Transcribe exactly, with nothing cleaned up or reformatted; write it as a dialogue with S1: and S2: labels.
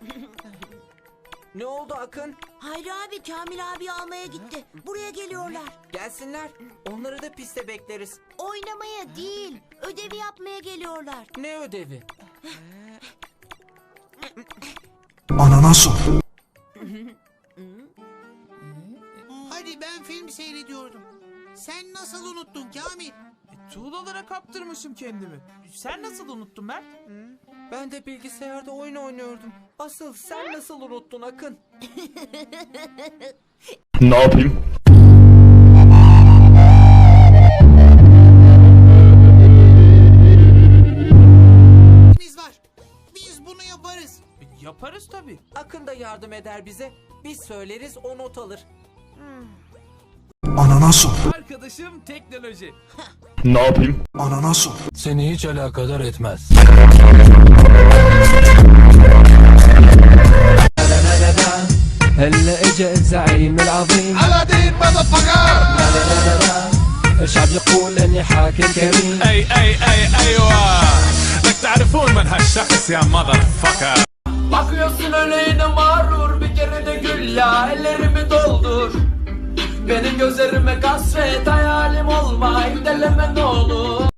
S1: Ne oldu Akın?
S2: Hayri abi Kamil abi almaya gitti. Buraya geliyorlar.
S1: Gelsinler. Onları da piste bekleriz.
S2: Oynamaya değil, ödevi yapmaya geliyorlar.
S1: Ne ödevi?
S3: Anana sor.
S4: Hadi ben film seyrediyordum. Sen nasıl unuttun Kamil?
S5: E, tuğlalara kaptırmışım kendimi. Sen nasıl unuttun Mert?
S1: Ben de bilgisayarda oyun oynuyordum. Asıl sen nasıl unuttun Akın?
S3: Ne yapayım?
S4: Biz var. Biz bunu yaparız.
S5: E, yaparız tabii.
S1: Akın da yardım eder bize. Biz söyleriz, o not alır.
S3: Anana sor.
S5: Arkadaşım teknoloji.
S3: Ne yapayım? Anana sor.
S6: Seni hiç alakadar etmez. هلا اجا الزعيم العظيم على دين الشعب يقول اني حاكم كريم
S7: اي اي اي ايوه بدك تعرفون من هالشخص يا ماذر فكر.
S8: Bakıyorsun öleğine mağrur, bir kere de gül ya, ellerimi doldur. Benim gözlerime kasvet, hayalim olma, deleme ne olur.